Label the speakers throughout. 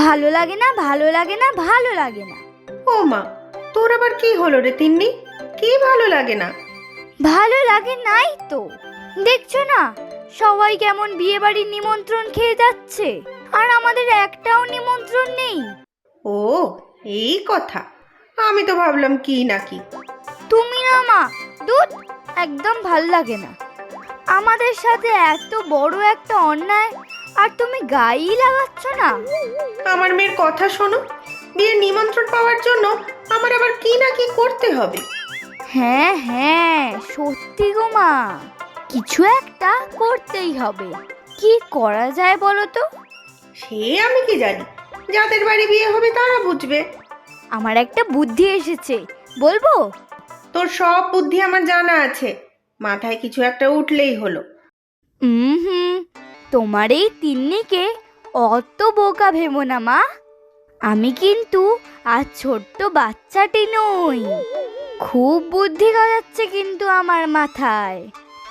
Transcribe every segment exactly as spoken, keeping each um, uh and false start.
Speaker 1: ভালো লাগে না, ভালো লাগে না, ভালো লাগে না।
Speaker 2: ও মা, তোর আবার কি হলো রে তিন্নি? কি ভালো লাগে না?
Speaker 1: ভালো লাগে নাই তো, দেখছো না সবাই কেমন বিয়ে বাড়ির নিমন্ত্রণ খেয়ে যাচ্ছে, আর আমাদের একটাও নিমন্ত্রণ নেই।
Speaker 2: ও এই কথা, আমি তো ভাবলাম কি নাকি।
Speaker 1: তুমি না মা, দুধ একদম ভাল লাগে না। আমাদের সাথে এত বড় একটা অন্যায় আর তুমি গায়েই লাগাচ্ছ না।
Speaker 2: আমার মেয়ের কথা শোনো, বিয়ের নিমন্ত্রণ পাওয়ার জন্য আমার আবার কি না কি করতে হবে।
Speaker 1: হ্যাঁ হ্যাঁ সত্যি গো মা, কিছু একটা করতেই হবে। কি করা যায় বলো তো?
Speaker 2: সে আমি কি জানি, যাদের বাড়ি বিয়ে হবে তারা বুঝবে।
Speaker 1: আমার একটা বুদ্ধি এসেছে, বলবো?
Speaker 2: তোর সব বুদ্ধি আমার জানা আছে, মাথায় কিছু একটা উঠলেই হলো।
Speaker 1: হুম হুম তোমার এই তিন্নিকে অত বোকা ভেবো না মা। আমি কিন্তু আর ছোট্ট বাচ্চাটি নই, খুব বুদ্ধি গজাচ্ছে কিন্তু আমার মাথায়।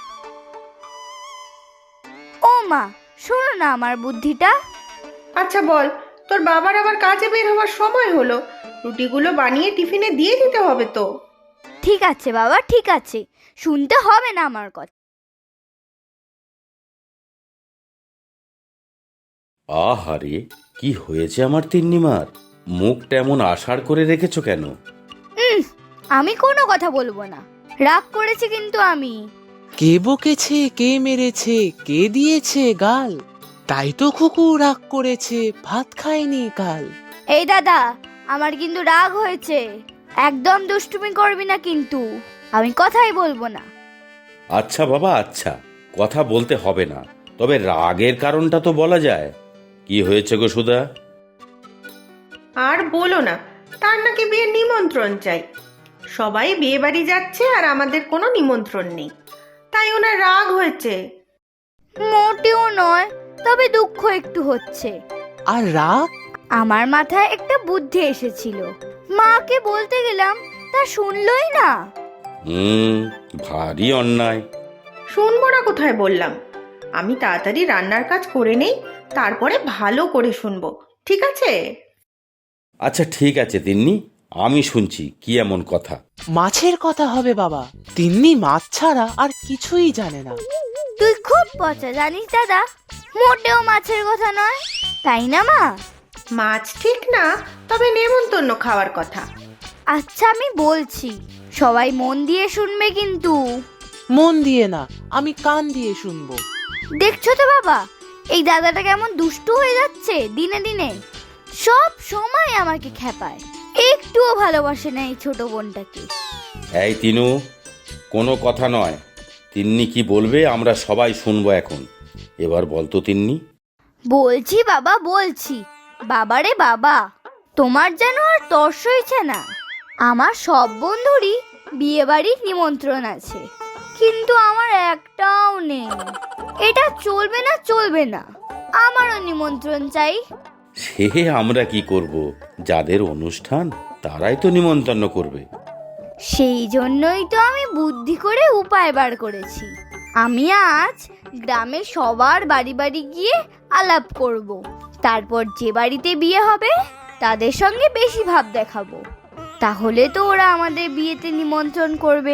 Speaker 1: ও মা, শোনো না আমার বুদ্ধিটা।
Speaker 2: আচ্ছা বল, তোর বাবার আবার কাজে বের হওয়ার সময় হলো, রুটিগুলো বানিয়ে টিফিনে দিয়ে দিতে হবে তো।
Speaker 1: ঠিক আছে বাবা, ঠিক আছে, শুনতে হবে না আমার কথা।
Speaker 3: আহারে, কি হয়েছে আমার তিন্নিমার? মুখটা এমন আষাড় করে রেখেছো কেন?
Speaker 1: উম, আমি কোনো কথা বলবো না, রাগ করেছি কিন্তু আমি।
Speaker 4: কে বকেছে, কে মেরেছে, কে দিয়েছে গাল, তাই তো খুকু রাগ করেছে, ভাত খায়নি কাল।
Speaker 1: এই দাদা, আমার কিন্তু রাগ হয়েছে, একদম দুষ্টুমি করবি না কিন্তু, আমি কথাই বলবো না।
Speaker 3: আচ্ছা বাবা, আচ্ছা, কথা বলতে হবে না, তবে রাগের কারণটা তো বলা যায়। কি হয়েছে গো সুধা?
Speaker 2: আর বলো না, তার নাকি বিয়ের নিমন্ত্রণ চাই। সবাই বিয়ে বাড়ি যাচ্ছে আর আমাদের কোনো নিমন্ত্রণ নেই, তাই ওনার রাগ হয়েছে।
Speaker 1: মোটেও নয়, তবে দুঃখ একটু হচ্ছে।
Speaker 4: আর রাগ?
Speaker 1: আমার মাথায় একটা বুদ্ধি এসেছিল, মাকে বলতে গেলাম, তা শুনলই না।
Speaker 3: হুম, ভারী অন্যায়।
Speaker 2: শুনবো না কোথায় বললাম, আমি তাড়াতাড়ি রান্নার কাজ করে নেই, তারপরে ভালো করে শুনবো, ঠিক আছে?
Speaker 3: আচ্ছা ঠিক আছে তিন্নি, আমি শুনছি কি এমন কথা।
Speaker 4: মাছের কথা হবে বাবা, তিন্নি মাছ ছাড়া আর কিছুই জানে না।
Speaker 1: তুই খুব পচা জানিস দাদা, মোটেও মাছের কথা নয়, তাই না মা?
Speaker 2: মাছ ঠিক না, তবে নেমন্তন্ন খাওয়ার কথা।
Speaker 1: আচ্ছা আমি বলছি, সবাই মন দিয়ে শুনবে কিন্তু।
Speaker 4: মন দিয়ে না, আমি কান দিয়ে শুনবো।
Speaker 1: দেখছো তো বাবা, এই দাদাটা কেমন দুষ্টু হয়ে যাচ্ছে দিনে দিনে, সব সময় আমাকে খেপায়, একটুও ভালোবাসে না এই ছোট বোনটাকে।
Speaker 3: এই তিনু, কোনো কথা নয়, তিন্নি কি বলবে আমরা সবাই শুনবো এখন। এবার বলতো তিন্নি।
Speaker 1: বলছি বাবা, বলছি। বাবারে বাবা, তোমার যেন আর তর্স হয়েছে না। আমার সব বন্ধুরই বিয়ে বাড়ির নিমন্ত্রণ আছে, কিন্তু আমার একটাও নেই। এটা চলবে না, চলবে না, আমারও নিমন্ত্রণ চাই।
Speaker 3: সে আমরা কি করব, যাদের অনুষ্ঠান তারাই তো নিমন্ত্রণ করবে।
Speaker 1: সেই জন্যই তো আমি বুদ্ধি করে উপায় বার করেছি। আমি আজ গ্রামে সবার বাড়ি বাড়ি গিয়ে আলাপ করব, তারপর যে বাড়িতে বিয়ে হবে তাদের সঙ্গে বেশি ভাব দেখাবো, তাহলে তো ওরা আমাদের বিয়েতে নিমন্ত্রণ করবে।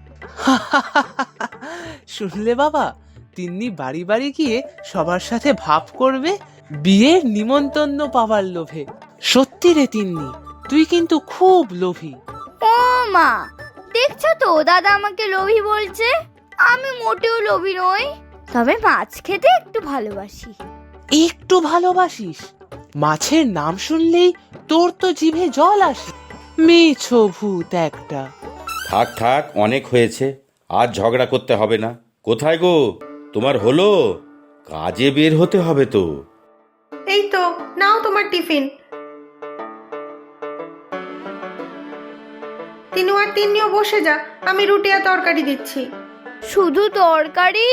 Speaker 4: শুনলে বাবা, তিন্নি বাড়ি বাড়ি গিয়ে সবার সাথে ভাব করবে বিয়ের নিমন্ত্রণ পাওয়ার লোভে। সত্যি রে তিন্নি, তুই কিন্তু খুব লোভী।
Speaker 1: ও মা, দেখছো তো দাদা আমাকে লোভী বলছে। আমি মোটেও লোভী নই, তবে মাছ খেতে একটু ভালোবাসি।
Speaker 4: একটু ভালোবাসিস? মাছের নাম শুনলেই তোর তো জিভে জল আসে। মেছো ভূত একটা।
Speaker 3: থাক থাক, অনেক হয়েছে, আর ঝগড়া করতে হবে না। কোথায় গো, তোমার হলো? কাজে বের হতে হবে তো।
Speaker 2: এই তো নাও তোমার টিফিন। তিনু আর তিন্নিও বসে যা, আমি রুটি আর তরকারি দিচ্ছি।
Speaker 1: শুধু তরকারি?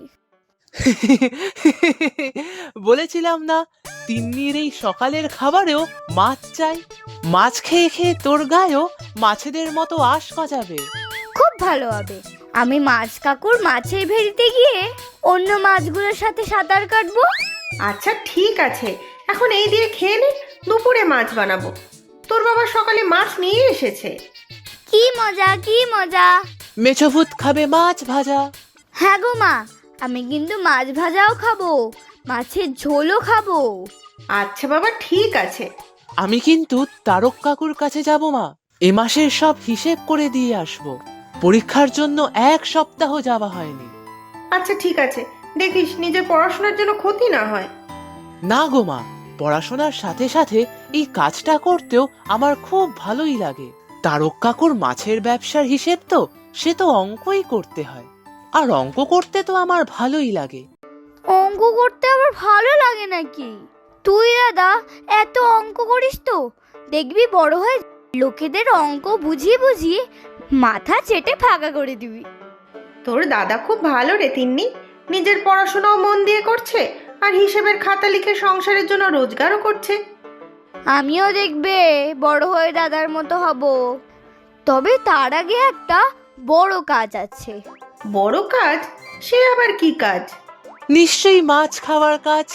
Speaker 4: বলেছিলাম না, তিন্নির এই সকালের খাবারেও মাছ চাই। মাছ খেয়ে খেয়ে তোর গায়েও মাছেদের মতো আশ গজাবে।
Speaker 1: খুব ভালো হবে, আমি মাছ কাকুর মাছের ভেড়িতে গিয়ে অন্য মাছগুলোর সাথে সাঁতার কাটবো।
Speaker 2: আচ্ছা ঠিক আছে, এখন এই দিয়ে খেয়ে নে, দুপুরে মাছ বানাবো। তোর বাবা সকালে মাছ নিয়ে এসেছে।
Speaker 1: কি মজা কি মজা।
Speaker 4: মেছভূত খাবে মাছ ভাজা।
Speaker 1: হ্যাঁ গো মা, আমি কিন্তু মাছ ভাজাও খাবো, মাছের ঝোলও খাবো।
Speaker 2: আচ্ছা বাবা, ঠিক আছে।
Speaker 4: আমি কিন্তু তারক কাকুর কাছে যাব মা, এ মাসের সব হিসেব করে দিয়ে আসবো। পরীক্ষার জন্য এক সপ্তাহ যাওয়া হয়নি।
Speaker 2: আচ্ছা ঠিক আছে, দেখিস নিজের পড়াশোনার জন্য ক্ষতি না হয়।
Speaker 4: না গো মা, পড়াশোনার সাথে সাথে এই কাজটা করতেও আমার খুব ভালোই লাগে। তারক কাকুর মাছের ব্যবসার হিসেব তো, সে তো অঙ্কই করতে হয়, আর অঙ্ক করতে তো আমার ভালোই লাগে।
Speaker 1: অঙ্ক করতে আবার ভালো লাগে নাকি? তুই দাদা এত অঙ্ক করিস তো, দেখবি বড় হয়ে লোকেদের অঙ্ক বুঝিয়ে বুঝিয়ে মাথা চেটে ফাঁকা করে দিবি।
Speaker 2: তোর দাদা খুব ভালো রে তিন্নি, নিজের পড়াশোনাও মন দিয়ে করছে আর হিসেবের খাতা লিখে সংসারের জন্য রোজগারও করছে।
Speaker 1: আমিও দেখবে বড় হয়ে দাদার মতো হব, তবে তার আগে একটা বড় কাজ আছে।
Speaker 2: বড় কাজ? সে আবার কি কাজ?
Speaker 4: নিশ্চয়ই মাছ খাওয়ার কাজ।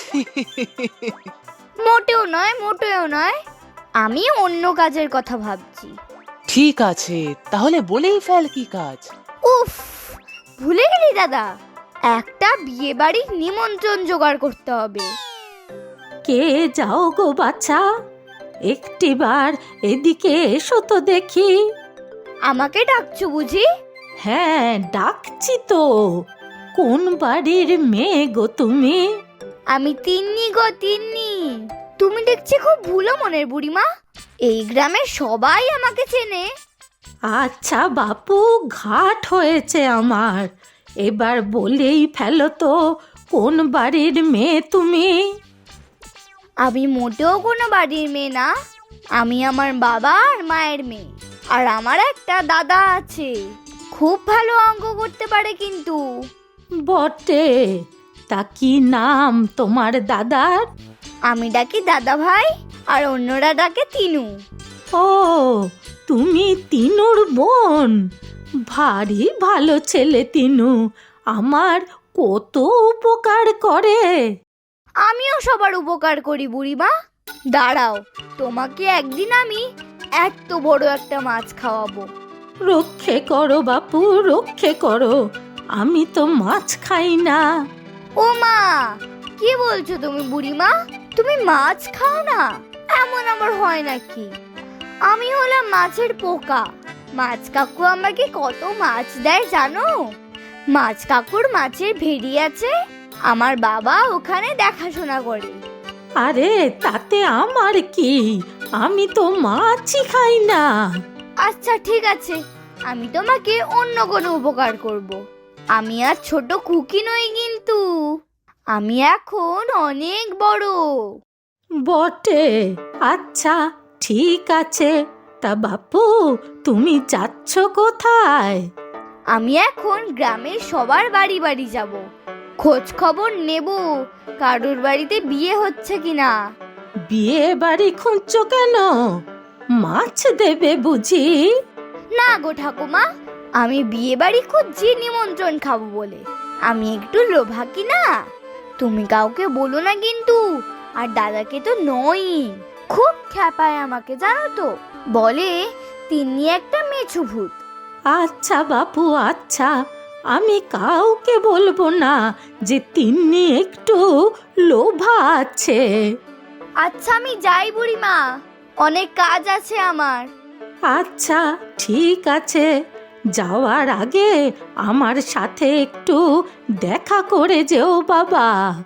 Speaker 1: মোটেও নয়, মোটেও নয়, আমি অন্য কাজের কথা ভাবছি।
Speaker 4: ঠিক আছে, তাহলে বলেই ফেল কি কাজ।
Speaker 1: উফ, ভুলে গেলি দাদা, একটা বিয়ে বাড়ির নিমন্ত্রণ জোগাড় করতে হবে।
Speaker 5: কে যাও গো বাছা, একটিবার এদিকে এসো তো দেখি।
Speaker 1: আমাকে ডাকছো বুঝি?
Speaker 5: হ্যাঁ ডাকছি তো। কোন বাড়ির মেয়ে গো তুমি?
Speaker 1: আমি তিন্নি গো তিন্নি। তুমি দেখছি খুব ভুলো মনের বুড়িমা, এই গ্রামের সবাই আমাকে চেনে।
Speaker 5: আচ্ছা বাপু, ঘাট হয়েছে আমার, এবার বলেই ফেলো তো কোন বাড়ির মেয়ে তুমি?
Speaker 1: আমি মোটেও কোনো বাড়ির মেয়ে না, আমি আমার বাবা আর মায়ের মেয়ে। আর আমার একটা দাদা আছে, খুব ভালো অঙ্ক করতে পারে কিন্তু।
Speaker 5: বটে, তা কি নাম তোমার দাদার?
Speaker 1: আমি ডাকি দাদা ভাই, আর অন্যরা ডাকে তিনু।
Speaker 5: ও, তুমি তিনুর বোন? ভারী ভালো ছেলে তিনু, আমার কত উপকার করে।
Speaker 1: আমিও সবার উপকার করি বুড়িমা। দাঁড়াও, তোমাকে একদিন আমি এত বড় একটা মাছ খাওয়াবো।
Speaker 5: রক্ষে করো বাপু, রক্ষে করো, আমি তো মাছ খাই না।
Speaker 1: ও মা, কি বলছো তুমি বুড়িমা? তুমি মাছ খাও না? এমন আমার হয় নাকি? আমি হলাম মাছের পোকা। মাছ কাকু আমাকে কত মাছ দেয় জানো? মাছ কাকুর মাছের ভেড়ি আছে, আমার বাবা ওখানে দেখাশোনা করে।
Speaker 5: আরে তাতে আমার কি, আমি তো মাছই খাই না।
Speaker 1: আচ্ছা ঠিক আছে, আমি তোমাকে অন্য কোনো উপকার করব। আমি আর ছোট খুকি নই কিন্তু, আমি এখন অনেক বড়।
Speaker 5: বটে, আচ্ছা ঠিক আছে। তা বাপু, তুমি যাচ্ছ কোথায়?
Speaker 1: আমি এখন গ্রামের সবার বাড়ি বাড়ি যাব, খোঁজ খবর নেব কারোর বাড়িতে বিয়ে হচ্ছে কিনা।
Speaker 5: বিয়ে বাড়ি খুঁজছো কেন? মাছ দেবে বুঝি?
Speaker 1: না গো ঠাকুমা, আমি বিয়ে বাড়ি খুঁজছি নিমন্ত্রণ খাবো বলে। আমি একটু লোভা কি না? তুমি কাউকে বলো না কিন্তু, আর দাদাকে তো নই। খুব খ্যাপায় আমাকে জানো তো, বলে তিনি একটা মেছো ভূত।
Speaker 5: আচ্ছা বাপু, আচ্ছা, আমি কাউকে বলবো না যে তিন্নি একটু লোভা আছে।
Speaker 1: আচ্ছা আমি যাই বুড়িমা, অনেক কাজ আছে আমার।
Speaker 5: আচ্ছা ঠিক আছে, যাওয়ার আগে আমার সাথে একটু দেখা করে যেও বাবা।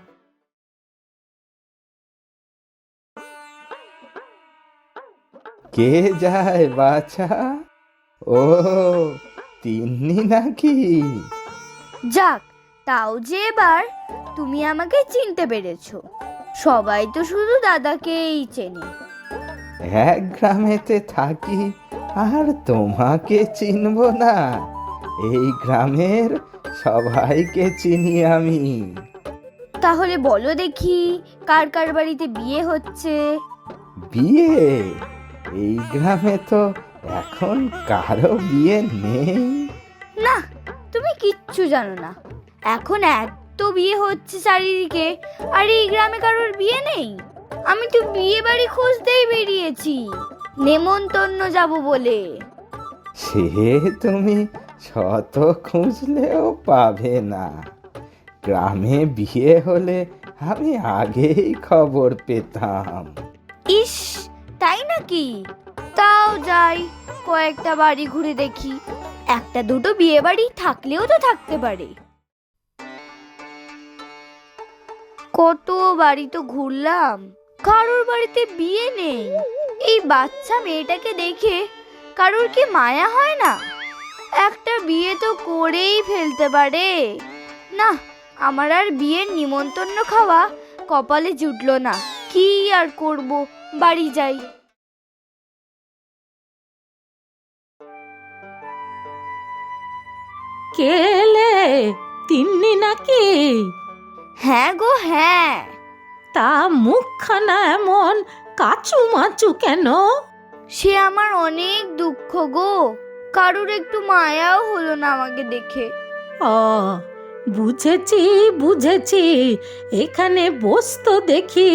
Speaker 6: কে যায় বাছা? ও, তিন্নি নাকি?
Speaker 1: যাক, তাও যে এবার তুমি আমাকে চিনতে পেরেছো। সবাই তো শুধু দাদাকেই চেনে।
Speaker 6: এক গ্রামেতে থাকি আর তোমাকে চিনব না? এই গ্রামের সবাইকে চিনি আমি।
Speaker 1: তাহলে বলো দেখি, কার কার বাড়িতে বিয়ে হচ্ছে?
Speaker 6: বিয়ে? এই গ্রামে তো এখন কারো বিয়ে নেই।
Speaker 1: না, তুমি কিচ্ছু জানো না। এখন এত বিয়ে হচ্ছে চারিদিকে, আর এই গ্রামে কারোর বিয়ে নেই। আমি তো বিয়ে বাড়ি খুঁজতেই বেরিয়েছি, নেমন্তন্ন যাব বলে।
Speaker 6: সে তুমি শত খুঁজলেও পাবে না। গ্রামে বিয়ে হলে আমি আগেই খবর পেতাম।
Speaker 1: ইস, তাই নাকি? তাও যাই, কয়েকটা বাড়ি ঘুরে দেখি। একটা দুটো বিয়ে বাড়ি থাকলেও তো থাকতে পারে। কত বাড়ি তো ঘুরলাম, কারোর বাড়িতে বিয়ে নেই। এই বাচ্চা মেয়েটাকে দেখে কারোর কি মায়া হয় না? একটা বিয়ে তো করেই ফেলতে পারে। না, আমার আর বিয়ের নিমন্ত্রণ খাওয়া কপালে জুটলো না। কি আর করব, বাড়ি যাই।
Speaker 5: কেলে তিন্নি নাকি?
Speaker 1: হ্যাঁ গো হ্যাঁ।
Speaker 5: তা মুখখানা এমন কাচু মাচু কেন?
Speaker 1: সে আমার অনেক দুঃখ গো, কারোর একটু মায়াও হলো না আমাকে দেখে।
Speaker 5: ও বুঝেছি বুঝেছি, এখানে বসতো দেখি।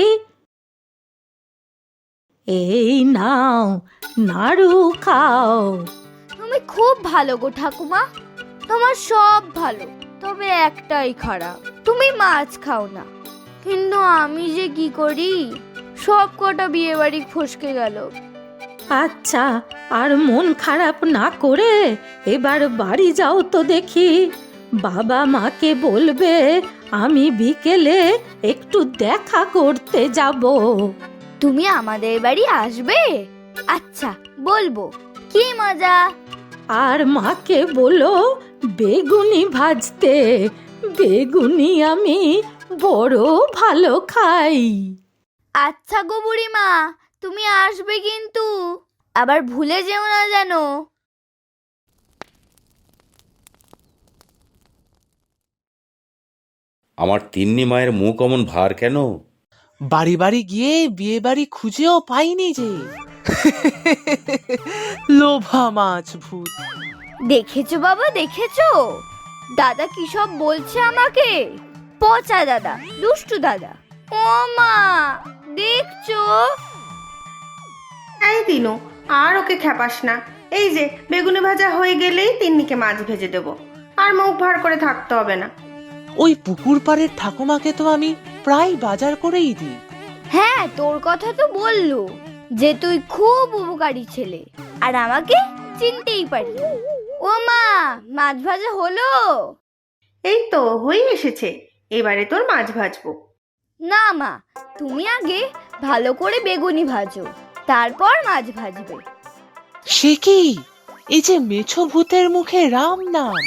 Speaker 5: এই নাও নাড়ু খাও।
Speaker 1: তুমি খুব ভালো গো ঠাকুমা, তোমার সব ভালো, তবে একটাই খারাপ, তুমি মাছ খাও না। কিন্তু আমি যে কি করি, সব কটা বিয়ে বাড়ি ফসকে গেল।
Speaker 5: আচ্ছা, আর মন খারাপ না করে এবার বাড়ি যাও তো দেখি। বাবা মাকে বলবে আমি বিকেলে একটু দেখা করতে যাব।
Speaker 1: তুমি আমাদের বাড়ি আসবে? আচ্ছা, বলবো। কি মজা।
Speaker 5: আর মাকে বলো বেগুনি ভাজতে, বেগুনি আমি বড় ভালো খাই।
Speaker 1: আচ্ছা গো বুড়িমা, তুমি আসবে কিন্তু, আবার ভুলে যেও না যেন।
Speaker 3: আমার তিন্নি মায়ের মুখ অমন ভার কেন?
Speaker 4: বাড়ি বাড়ি গিয়ে বিয়ে বাড়ি খুঁজেও পাইনি যে। লোভা মাছ ভূত।
Speaker 1: দেখেছো বাবা, দেখেছো দাদা কি সব বলছে আমাকে? পচা দাদা, দুষ্টু দাদা। ও মা, দেখছো?
Speaker 2: এই দিনু, আর ওকে খেপাস না। এই যে বেগুনি ভাজা হয়ে গেলেই তিন্নিকে মাছ ভেজে দেবো, আর মুখ ভার করে থাকতে হবে না।
Speaker 4: ওই পুকুর পাড়ের ঠাকুমাকে তো আমি প্রায় বাজার করেই দিই।
Speaker 1: হ্যাঁ, তোর কথা তো বললো যে তুই খুব উপকারী ছেলে, আর আমাকে চিনতেই পারি। ও মা, মাছ ভাজা হলো?
Speaker 2: এই তো হয়ে এসেছে, এবারে তোর মাছ ভাজবো।
Speaker 1: না মা, তুমি আগে ভালো করে বেগুনি ভাজো, তারপর মাছ ভাজবে।
Speaker 4: সে কি, এই যে মেছো ভূতের মুখে রাম নাম।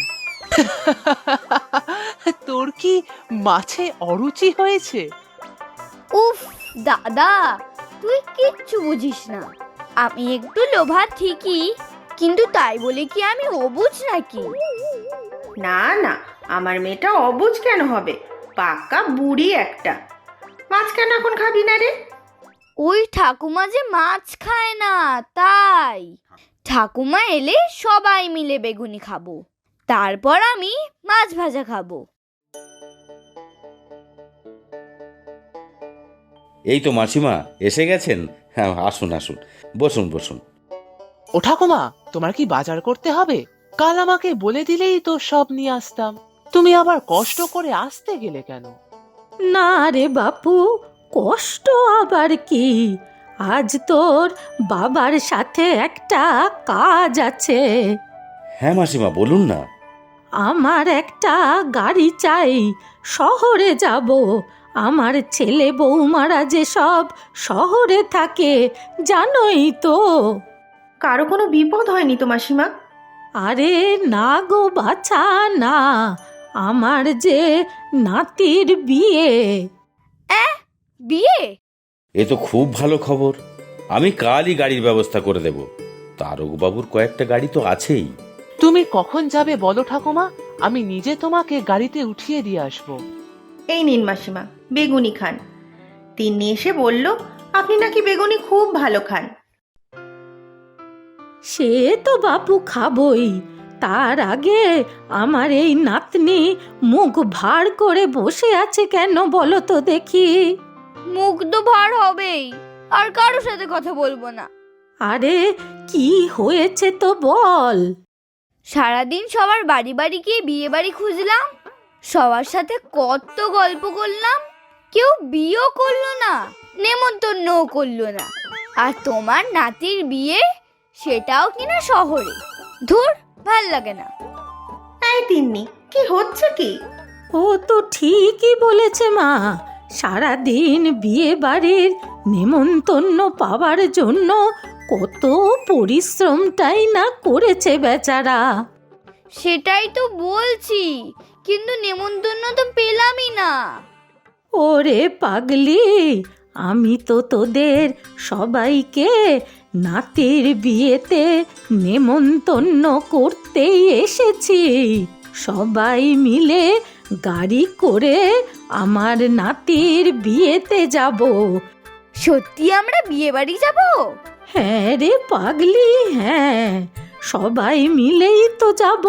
Speaker 4: তোর কি মাছে অরুচি হয়েছে?
Speaker 1: উফ দাদা, তুই কিচ্ছু বুঝিস না। আমি একটু লোভা ঠিকই, কিন্তু তাই বলে কি আমি অবুঝ নাকি?
Speaker 2: না না, আমার মেয়েটা অবুঝ কেন হবে? পাকা বুড়ি একটা। মাছ কেন এখন খাবি না রে?
Speaker 1: ওই ঠাকুমা যে মাছ খায় না, তাই। ঠাকুমা এলে সবাই মিলে বেগুনি খাবো, তারপর আমি মাছ ভাজা খাবো।
Speaker 3: এই তো মাসিমা এসে গেছেন। হ্যাঁ, আসুন আসুন, বসুন বসুন।
Speaker 4: ও ঠাকুমা, তোমার কি বাজার করতে হবে? কাল আমাকে বলে দিলেই তো সব নিয়ে আসতাম। তুমি আবার কষ্ট করে আসতে গেলে কেন?
Speaker 5: না রে বাপু, কষ্ট আবার কি? আজ তোর বাবার সাথে একটা কাজ আছে।
Speaker 3: হ্যাঁ মাসিমা, বলুন না।
Speaker 5: আমার একটা গাড়ি চাই, শহরে যাব। আমার ছেলে বৌমারা যে সব শহরে থাকে, জানোই তো।
Speaker 2: কারো কোনো বিপদ হয়নি তো মাসিমা?
Speaker 5: আরে না গো বাছা না, আমার যে নাতির বিয়ে।
Speaker 1: বিয়ে?
Speaker 3: এ তো খুব ভালো খবর। আমি কালই গাড়ির ব্যবস্থা করে দেব। তারকবাবুর কয়েকটা গাড়ি তো আছেই।
Speaker 4: তুমি কখন যাবে বলো ঠাকুমা, আমি নিজে তোমাকে গাড়িতে উঠিয়ে দিয়ে আসবো।
Speaker 2: এই নিন মাসিমা, বেগুনি খান। তিন্নি এসে বলল আপনি নাকি বেগুনি খুব ভালো খান।
Speaker 5: সে তো বাপু খাবই, তার আগে আমার এই নাতনি মুখ ভার করে বসে আছে কেন বলো তো দেখি।
Speaker 1: মুখ তো ভার হবেই, আর কারোর সাথে কথা বলবো না।
Speaker 5: আরে কি হয়েছে তো বল।
Speaker 1: সারাদিন সবার বাড়ি বাড়ি গিয়ে বিয়ে বাড়ি খুঁজলাম, সবার সাথে কত গল্প করলাম, কেউ বিয়েও করলো না, নেমন্তন্নও করলো না। আর তোমার নাতির বিয়ে, সেটাও কিনা শহরে। ধুর, ভাল লাগে না।
Speaker 2: এই তিন্নি, কি হচ্ছে কি?
Speaker 5: ও তো ঠিকই বলেছে মা, সারাদিন বিয়ে বাড়ির নেমন্তন্ন পাওয়ার জন্য কত পরিশ্রমটাই না করেছে বেচারা।
Speaker 1: সেটাই তো বলছি, কিন্তু নেমন্তন্ন তো পেলামই না।
Speaker 5: ওরে পাগলি, আমি তো তোদের সবাইকে নাতির বিয়েতে নেমন্তন্ন করতেই এসেছি। সবাই মিলে গাড়ি করে আমার নাতির বিয়েতে যাব।
Speaker 1: সত্যি আমরা বিয়ে বাড়ি যাব?
Speaker 5: হ্যাঁ রে পাগলি, হ্যাঁ, সবাই মিলেই তো যাব।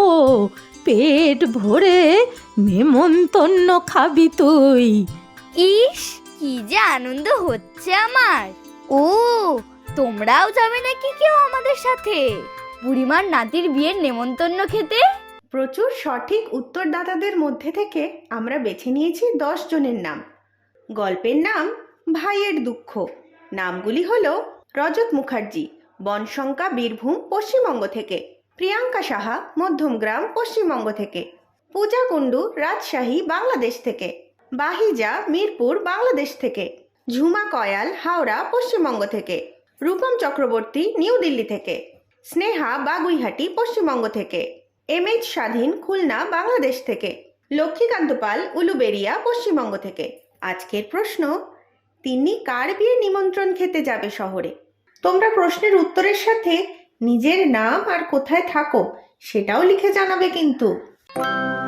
Speaker 5: পেট ভরে নেমন্তন্ন খাবি তুই।
Speaker 1: ইস, কি যে আনন্দ হচ্ছে আমার। ও, তোমরাও যাবে নাকি কেউ আমাদের সাথে বুড়িমার নাতির বিয়ের নেমন্তন্ন খেতে?
Speaker 2: প্রচুর সঠিক উত্তরদাতাদের মধ্যে থেকে আমরা বেছে নিয়েছি দশ জনের নাম। গল্পের নাম ভাইয়ের দুঃখ। নামগুলি হলো রজত মুখার্জি, বনশঙ্কা, বীরভূম, পশ্চিমবঙ্গ থেকে; প্রিয়াঙ্কা সাহা, মধ্যমগ্রাম, পশ্চিমবঙ্গ থেকে; পূজা কুণ্ডু, রাজশাহী, বাংলাদেশ থেকে; বাহিজা, মিরপুর, বাংলাদেশ থেকে; ঝুমা কয়াল, হাওড়া, পশ্চিমবঙ্গ থেকে; রূপম চক্রবর্তী, নিউ দিল্লি থেকে; স্নেহা, বাগুইহাটি, পশ্চিমবঙ্গ থেকে; এম এইচ স্বাধীন, খুলনা, বাংলাদেশ থেকে; লক্ষ্মীকান্ত পাল, উলুবেড়িয়া, পশ্চিমবঙ্গ থেকে। আজকের প্রশ্ন, তিন্নি কার বিয়ে নিমন্ত্রণ খেতে যাবে শহরে? তোমরা প্রশ্নের উত্তরের সাথে নিজের নাম আর কোথায় থাকো সেটাও লিখে জানাবে কিন্তু।